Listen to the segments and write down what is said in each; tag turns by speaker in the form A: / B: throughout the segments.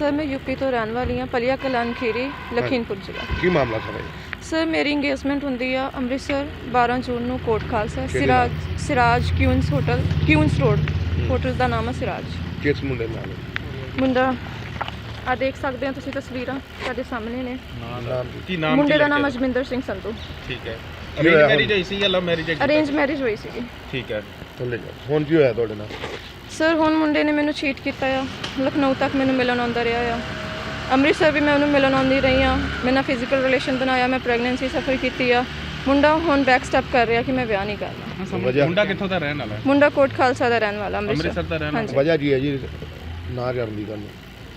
A: Sir मैं UP तो रहने वाली हाँ, पलिया कलान खीरी लखीमपुर जिला।
B: ਕੀ ਮਾਮਲਾ ਸਰ ਇਹ?
A: सर मेरी इंगेजमेंट होंगी आ ਅੰਮ੍ਰਿਤਸਰ 12 ਜੂਨ ਨੂੰ ਕੋਟ ਖਾਲਸਾ
B: ਕਿਹੜੇ
A: Siraj Queens hotel Queens road hotel का नाम है सिराज।
B: ਕਿਸ ਮੁੰਡੇ ਨਾਲ?
A: मुंडा आ देख सकते हो तुसीं तस्वीरां तुहाडे सामने ने।
B: ਨਾਮ
A: मुंडे का नाम अजमिंदर सिंह संधू।
C: ठीक है। अरेंज मैरिज है या लव मैरिज है?
A: अरेंज मैरिज हुई सी।
C: ठीक है।
B: ਹੁਣ ਕੀ ਹੋਇਆ ਤੁਹਾਡੇ ਨਾਲ?
A: सर हुण मुंडे ने मैनू चीट किया आ, लखनऊ तक मैनू मिलन आंदा रहा आ, ਅੰਮ੍ਰਿਤਸਰ भी मैं उन्होंने मिलन आती रही हाँ, मैं ना फिजिकल रिलेशन बनाया, मैं प्रैगनेंसी सफर की आ। मुंडा हुण बैक स्टैप कर रहा कि मैं ब्याह नहीं करना।
C: मुंडा कित्थों दा रहने वाला है?
A: मुंडा कोट खालसा का रहने वाला
C: ਅੰਮ੍ਰਿਤਸਰ ਦਾ ਰਹਿਣ ਵਾਲਾ।
B: ਵਜ੍ਹਾ ਕੀ ਹੈ ਜੀ ਨਾ ਕਰਨ ਦੀ ਗੱਲ?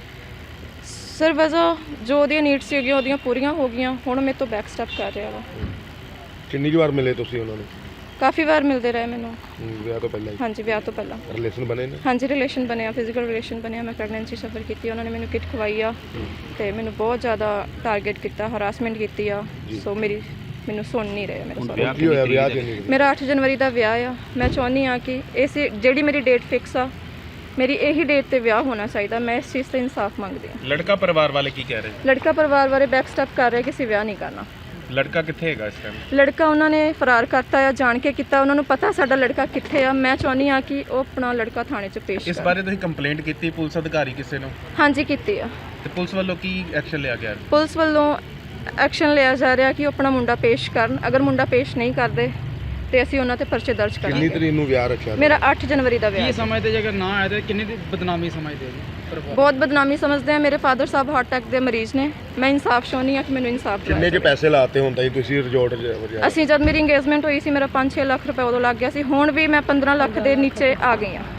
A: सर वजह जो ਉਹਦੀਆਂ ਨੀਡਸ ਸੀਗੀਆਂ ਉਹਦੀਆਂ ਪੂਰੀਆਂ ਹੋ ਗਈਆਂ, ਹੁਣ ਮੇਰੇ ਤੋਂ बैक स्टैप कर रहा वा।
B: ਕਿੰਨੀ ਕੁ ਵਾਰ ਮਿਲੇ ਤੁਸੀਂ ਉਹਨਾਂ ਨੂੰ?
A: काफ़ी बार मिलते रहे मैनू।
B: ਵਿਆਹ ਤੋਂ ਪਹਿਲਾਂ
A: हाँ जी ब्याह तो पहला
B: ਰਿਲੇਸ਼ਨ ਬਣੇ ਨੇ?
A: हाँ जी रिलेशन बनया, फिजिकल रिलेशन बनया, मैं प्रैगनेंसी सफर की, उन्होंने मैनू किट खवाई आ ते मैनू बहुत ज़्यादा टारगेट किया, हरासमेंट की आ। सो मेरी मैनू सुन नहीं रहे मेरे सारे।
B: ਕੀ ਹੋਇਆ ਵਿਆਹ ਕਿੰਨੀ ਕੁ?
A: मेरा 8 जनवरी का विआह आ। मैं चाहनी हाँ कि इस जी मेरी डेट फिक्स आ, मेरी यही डेट पर विआह होना चाहिए। मैं इस चीज़ से इंसाफ मंगती हूँ।
C: लड़का परिवार वाले की कह रहे हैं?
A: लड़का परिवार वाले बैक स्टैप कर रहे कि असीं विआह नहीं करना।
C: लड़का कित्थे हैगा इस टाइम?
A: लड़का उन्होंने फरार करता है, जान के किया, उन्होंने पता साडा लड़का कित्थे आ। मैं चाहनी हाँ कि वो अपना लड़का थाने च पेश
C: इस बारे तुसीं कंप्लेंट की पुलिस अधिकारी किसी ने?
A: हाँ जी की आ।
C: ते पुलिस वालों की एक्शन लिया गया?
A: पुलिस वालों एक्शन लिया जा रहा कि अपना मुंडा पेश करन, अगर मुंडा पेश नहीं करते तो असीं उन्हां ते परचे दर्ज
B: ਕਿੰਨੀ
A: करांगे।
B: ਤਰੀਕ ਨੂੰ ਵਿਆਹ ਰੱਖਿਆ?
A: मेरा 8 जनवरी का विआह।
D: समझते जे अगर ना आए तो किन्नी दी बदनामी समझते हो?
A: बहुत बदनामी समझते हैं। मेरे फादर साहब हार्ट अटैक के मरीज ने। मैं इंसाफ चाहनी हाँ कि मैंने इंसाफ
B: ਕਿੰਨੇ ਚ ਪੈਸੇ ਲਾਤੇ ਹੁੰਦਾ ਜੀ ਤੁਸੀਂ ਰਿਜ਼ੋਰਟ 'ਚ?
A: ਅਸੀਂ ਜਦ ਮੇਰੀ ਇੰਗੇਜਮੈਂਟ ਹੋਈ ਸੀ ਮੇਰਾ 5-6 ਲੱਖ ਰੁਪਏ ਉਦੋਂ ਲੱਗ ਗਿਆ ਸੀ। ਹੁਣ ਵੀ ਮੈਂ 15 ਲੱਖ ਦੇ ਨੀਚੇ ਆ ਗਈ ਹਾਂ।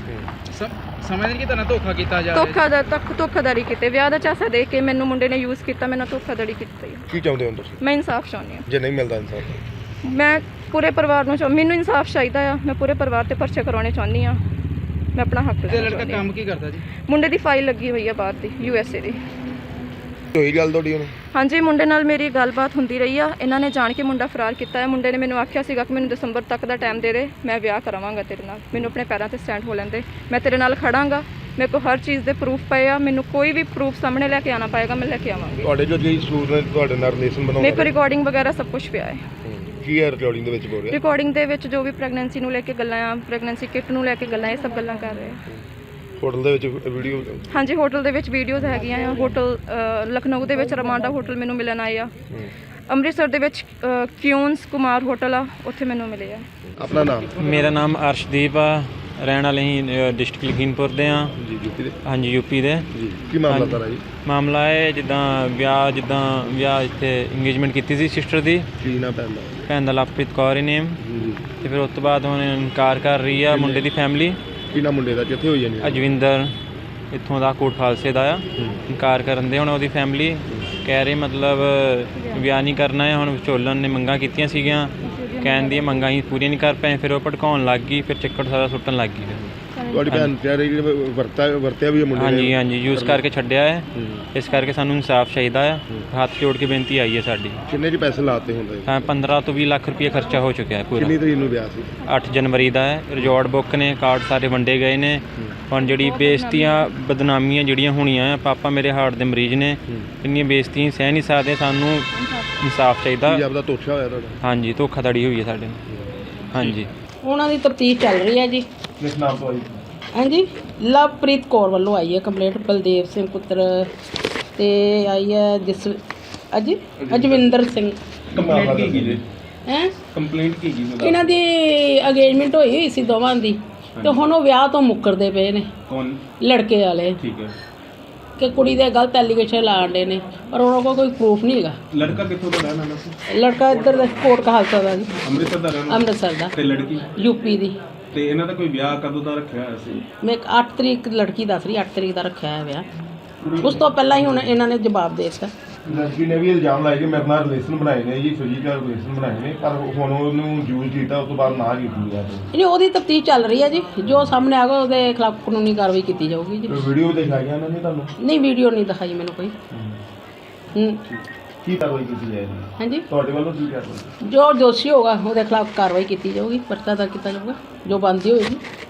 D: समझ नहीं कि तना धोखा किया जा
A: ਧੋਖਾਦਾਰੀ ਕੀਤੇ, ਵਿਆਹ ਦਾ ਚਾਸਾ ਦੇ ਕੇ ਮੈਨੂੰ ਮੁੰਡੇ ਨੇ ਯੂਜ਼ ਕੀਤਾ, ਮੈਨੂੰ ਧੋਖਾਧੜੀ ਕੀਤੀ।
B: ਕੀ ਚਾਹੁੰਦੇ ਹੋ ਤੁਸੀਂ?
A: ਮੈਂ ਇਨਸਾਫ ਚਾਹੁੰਦੀ ਹਾਂ।
B: ਜੇ ਨਹੀਂ ਮਿਲਦਾ ਇਨਸਾਫ?
A: ਮੈਂ ਪੂਰੇ ਪਰਿਵਾਰ ਨੂੰ ਮੈਨੂੰ ਇਨਸਾਫ ਚਾਹੀਦਾ ਆ। ਮੈਂ ਪੂਰੇ ਪਰਿਵਾਰ ਤੇ ਪਰਚੇ ਕਰਾਉਣੇ ਚਾਹੁੰਦੀ ਹਾਂ। ਮੈਂ ਆਪਣਾ ਹੱਕ ਲੈਣਾ
D: लड़का
A: ਚਾਹੁੰਦੀ ਹਾਂ।
D: काम की करता जी?
A: ਮੁੰਡੇ ਦੀ ਫਾਈਲ ਲੱਗੀ ਹੋਈ ਆ ਬਾਹਰ ਦੀ, USA ਦੀ।
B: ਹੋਈ ਗੱਲ ਤੁਹਾਡੀ ਹੁਣ?
A: ਹਾਂਜੀ ਮੁੰਡੇ ਨਾਲ ਮੇਰੀ ਗੱਲਬਾਤ ਹੁੰਦੀ ਰਹੀ ਆ। ਇਹਨਾਂ ਨੇ ਜਾਣ ਕੇ ਮੁੰਡਾ ਫਰਾਰ ਕੀਤਾ ਹੈ। ਮੁੰਡੇ ਨੇ ਮੈਨੂੰ ਆਖਿਆ ਸੀਗਾ ਕਿ ਮੈਨੂੰ ਦਸੰਬਰ ਤੱਕ ਦਾ ਟਾਈਮ ਦੇ ਦੇ, ਮੈਂ ਵਿਆਹ ਕਰਾਵਾਂਗਾ ਤੇਰੇ ਨਾਲ, ਮੈਨੂੰ ਆਪਣੇ ਪੈਰਾਂ ਤੇ ਸਟੈਂਡ ਹੋ ਲੈਂਦੇ, ਮੈਂ ਤੇਰੇ ਨਾਲ ਖੜਾਂਗਾ, ਮੇਰੇ ਕੋਲ ਹਰ ਚੀਜ਼ ਦੇ ਪ੍ਰੂਫ ਪਏ ਆ, ਮੈਨੂੰ ਕੋਈ ਵੀ ਪ੍ਰੂਫ ਸਾਹਮਣੇ ਲੈ ਕੇ ਆਣਾ ਪਏਗਾ, ਮੈਂ ਲੈ ਕੇ ਆਵਾਂਗੀ।
B: ਤੁਹਾਡੇ ਜੋ ਜੀ ਸੂਰ ਨੇ ਤੁਹਾਡੇ ਨਾਲ ਰਿਲੇਸ਼ਨ
A: ਮੇਰੇ
B: ਬਣਾਉਣਾ
A: ਕੋਲ ਰਿਕਾਰਡਿੰਗ ਵਗੈਰਾ ਸਭ ਕੁਝ ਪਿਆ ਹੈ।
B: ਕੀ ਹੈ ਰਿਕਾਰਡਿੰਗ ਦੇ ਵਿੱਚ ਬੋਲ ਰਿਹਾ?
A: ਰਿਕਾਰਡਿੰਗ ਦੇ ਵਿੱਚ ਜੋ ਵੀ ਪ੍ਰੈਗਨੈਂਸੀ ਨੂੰ ਲੈ ਕੇ ਗੱਲਾਂ ਆ, ਪ੍ਰੈਗਨੈਂਸੀ ਕਿਟ ਨੂੰ ਲੈ ਕੇ ਗੱਲਾਂ, ਇਹ ਸਭ ਗੱਲਾਂ ਕਰ ਰਹੇ ਆ।
B: ਹੋਟਲ ਦੇ ਵਿੱਚ ਵੀਡੀਓ?
A: ਹਾਂਜੀ ਹੋਟਲ ਦੇ ਵਿੱਚ ਵੀਡੀਓਜ਼ ਹੈਗੀਆਂ ਆ। ਹੋਟਲ ਲਖਨਊ ਦੇ ਵਿੱਚ ਰਮਾਂਡਾ ਹੋਟਲ ਮੈਨੂੰ ਮਿਲਣ ਆਏ ਆ। ਅੰਮ੍ਰਿਤਸਰ ਦੇ ਵਿੱਚ ਕਿਊਨਸ ਕੁਮਾਰ ਹੋਟਲ ਆ, ਉੱਥੇ ਮੈਨੂੰ ਮਿਲੇ ਆ।
B: ਆਪਣਾ ਨਾਮ?
E: ਮੇਰਾ ਨਾਮ ਅਰਸ਼ਦੀਪ ਆ, ਰਹਿਣ ਵਾਲੇ ਹੀ ਡਿਸਟ੍ਰਿਕਟ ਲਖੀਮਪੁਰ ਦੇ ਆ।
B: ਜੀ ਯੂਪੀ ਦੇ?
E: ਹਾਂਜੀ ਯੂਪੀ ਦੇ।
B: ਜੀ ਕੀ ਮਾਮਲਾ ਸਾਰਾ ਜੀ?
E: ਮਾਮਲਾ ਹੈ ਜਿੱਦਾਂ ਵਿਆਹ ਇੱਥੇ ਇੰਗੇਜਮੈਂਟ ਕੀਤੀ ਸੀ ਸਿਸਟਰ ਦੀ।
B: ਕੀ ਨਾ ਪੈਂਦਾ?
E: ਭੈਣ ਦਾ ਲਵਪ੍ਰੀਤ ਕੌਰ ਹੀ ਨੇਮ।
B: ਜੀ
E: ਤੇ ਫਿਰ ਉਸ ਤੋਂ ਬਾਅਦ ਹੁਣ ਇਨਕਾਰ ਕਰ ਰਹੀ ਆ ਮੁੰਡੇ ਦੀ ਫੈਮਿਲੀ।
B: ਕੀ ਨਾ ਮੁੰਡੇ ਦਾ ਕਿੱਥੇ ਹੋਈ ਜਾਨੀ?
E: ਅਜਵਿੰਦਰ ਇੱਥੋਂ ਦਾ ਕੋਟ ਖਾਲਸੇ ਦਾ ਆ। ਇਨਕਾਰ ਕਰਨ ਦੇ ਹੁਣ ਉਹਦੀ ਫੈਮਿਲੀ ਕਹਿ ਰਹੀ ਮਤਲਬ ਵਿਆਹ ਨਹੀਂ ਕਰਨਾ ਹੈ। ਹੁਣ ਵਿਚੋਲਨ ਨੇ ਮੰਗਾਂ ਕੀਤੀਆਂ ਸੀਗੀਆਂ, ਕਹਿਣ ਦੀਆਂ ਮੰਗਾਂ ਹੀ ਪੂਰੀਆਂ ਨਹੀਂ ਕਰ ਪਏ, ਫਿਰ ਉਹ ਭੜਕਾਉਣ ਲੱਗ ਗਈ, ਫਿਰ ਚੱਕਰ ਸਾਰਾ ਸੁੱਟਣ ਲੱਗ ਗਈ।
B: ਤੁਹਾਡੀ ਭੈਣ ਤੇ ਰਹੀ ਵਰਤਿਆ ਵੀ ਮੁੰਡੇ ਨੇ?
E: ਹਾਂਜੀ ਯੂਜ਼ ਕਰਕੇ ਛੱਡਿਆ ਹੈ। ਇਸ ਕਰਕੇ ਸਾਨੂੰ ਇਨਸਾਫ ਚਾਹੀਦਾ ਆ। ਹੱਥ ਜੋੜ ਕੇ ਬੇਨਤੀ ਆਈ ਹੈ ਸਾਡੀ।
B: ਕਿੰਨੇ ਚ ਪੈਸੇ ਲਾਤੇ ਹੁੰਦੇ?
E: ਹਾਂ 15 ਤੋਂ 20 ਲੱਖ ਰੁਪਏ ਖਰਚਾ ਹੋ ਚੁੱਕਿਆ ਹੈ ਪੂਰਾ।
B: ਕਿੰਨੀ ਤਰੀਕ ਨੂੰ ਵਿਆਹ ਸੀ?
E: 8 ਜਨਵਰੀ ਦਾ ਹੈ। ਰਿਜ਼ੋਰਟ ਬੁੱਕ ਨੇ, ਕਾਰਡ ਸਾਰੇ ਵੰਡੇ ਗਏ ਨੇ। ਹੁਣ ਜਿਹੜੀ ਬੇਇੱਜ਼ਤੀਆਂ ਬਦਨਾਮੀਆਂ ਜਿਹੜੀਆਂ ਹੋਣੀਆਂ ਆ, ਪਾਪਾ ਮੇਰੇ ਹਾਰਟ ਦੇ ਮਰੀਜ਼ ਨੇ, ਇੰਨੀਆਂ ਬੇਇੱਜ਼ਤੀਆਂ ਸਹਿ ਨਹੀਂ ਸਕਦੇ। ਸਾਨੂੰ ਇਨਸਾਫ ਚਾਹੀਦਾ।
B: ਕੀ ਆਪਦਾ ਧੋਖਾ ਹੋਇਆ ਤੁਹਾਡਾ?
E: ਹਾਂਜੀ ਧੋਖਾਧੜੀ ਹੋਈ ਹੈ ਸਾਡੇ ਨਾਲ। ਹਾਂਜੀ
F: ਉਹਨਾਂ ਦੀ ਤਫਤੀਸ਼ ਚੱਲ ਰਹੀ ਹੈ ਜੀ।
B: ਕਿਸ ਨਾਮ ਤੋਂ ਆਈ?
F: ਹਾਂਜੀ ਲਵਪ੍ਰੀਤ ਕੌਰ ਵੱਲੋਂ ਆਈ ਹੈ ਕੰਪਲੇਂਟ, ਬਲਦੇਵ ਸਿੰਘ ਪੁੱਤਰ ਤੇ ਆਈ ਹੈ ਅਜਵਿੰਦਰ ਸਿੰਘ।
C: ਕੰਪਲੇਂਟ ਕੀ ਜੀ?
F: ਹੈ
C: ਕੰਪਲੇਂਟ ਕੀ ਜੀ?
F: ਇਹਨਾਂ ਦੀ ਅੰਗੇਜਮੈਂਟ ਹੋਈ ਸੀ ਦੋਵਾਂ ਦੀ, ਤੇ ਹੁਣ ਉਹ ਵਿਆਹ ਤੋਂ ਮੁੱਕਰਦੇ ਪਏ ਨੇ
C: ਕੌਣ?
F: ਲੜਕੇ ਵਾਲੇ,
C: ਠੀਕ ਹੈ।
F: ਕਿ ਕੁੜੀ ਦੇ ਗਲਤ ਐਲੀਗੇਸ਼ਨ ਲਾਉਂਦੇ ਨੇ, ਪਰ ਉਹਨਾਂ ਕੋਲ ਕੋਈ ਪ੍ਰੂਫ ਨਹੀਂ ਹੈਗਾ।
C: ਲੜਕਾ ਕਿੱਥੋਂ ਦਾ ਰਹਿਣ ਵਾਲਾ ਸੀ?
F: ਲੜਕਾ ਇੱਧਰ ਦਾ ਕੋਟ ਕਹਾਲਸਾ ਦਾ ਜੀ,
C: ਅੰਮ੍ਰਿਤਸਰ ਦਾ ਰਹਿਣ ਵਾਲਾ?
F: ਅੰਮ੍ਰਿਤਸਰ ਦਾ।
C: ਤੇ ਲੜਕੀ?
F: ਯੂਪੀ ਦੀ।
C: ਤੇ ਇਹਨਾਂ ਦਾ ਕੋਈ ਵਿਆਹ ਕਦੋਂ ਦਾ ਰੱਖਿਆ ਹੋਇਆ ਸੀ?
F: ਮੈਂ 8 ਤਰੀਕ ਲੜਕੀ ਦੱਸ ਰਹੀ, 8 ਤਰੀਕ ਦਾ ਰੱਖਿਆ ਹੈ ਵਿਆਹ। ਉਸ ਤੋਂ ਪਹਿਲਾਂ ਹੀ ਹੁਣ ਇਹਨਾਂ ਨੇ ਜਵਾਬ ਦੇ ਦਿੱਤਾ।
B: ਲੜਕੀ ਨੇ ਵੀ ਇਲਜ਼ਾਮ ਲਾਇਆ ਕਿ ਮੇਰੇ ਨਾਲ ਰਿਲੇਸ਼ਨ ਬਣਾਏ ਨੇ ਜੀ, ਫਿਜ਼ੀਕਲ ਰਿਲੇਸ਼ਨ ਬਣਾਏ ਨੇ, ਪਰ ਹੁਣ ਉਹਨੂੰ ਯੂਜ਼ ਕੀਤਾ, ਉਸ ਤੋਂ ਬਾਅਦ ਨਾ ਕੀਤੀ ਹੈ।
F: ਨਹੀਂ ਉਹਦੀ ਤਫਤੀਸ਼ ਚੱਲ ਰਹੀ ਹੈ ਜੀ, ਜੋ ਸਾਹਮਣੇ ਆਗਾ ਉਹਦੇ ਖਿਲਾਫ ਕਾਨੂੰਨੀ ਕਾਰਵਾਈ ਕੀਤੀ ਜਾਊਗੀ ਜੀ।
B: ਵੀਡੀਓ ਵੀ ਦਿਖਾਈਆਂ ਇਹਨਾਂ ਨੇ ਤੁਹਾਨੂੰ?
F: ਨਹੀਂ ਵੀਡੀਓ ਨਹੀਂ ਦਿਖਾਈ ਮੈਨੂੰ ਕੋਈ।
B: ਕੀ ਕਾਰਵਾਈ ਕੀਤੀ ਜਾਏਗੀ?
F: ਹਾਂਜੀ
B: ਤੁਹਾਡੇ ਵੱਲੋਂ ਕੀ ਕਾਰਵਾਈ?
F: ਜੋ ਦੋਸ਼ੀ ਹੋਗਾ ਉਹਦੇ ਖਿਲਾਫ ਕਾਰਵਾਈ ਕੀਤੀ ਜਾਊਗੀ, ਪਰਚਾ ਦਰਜ ਕੀਤਾ ਜਾਊਗਾ, ਜੋ ਬਣਦੀ ਹੋਏਗੀ।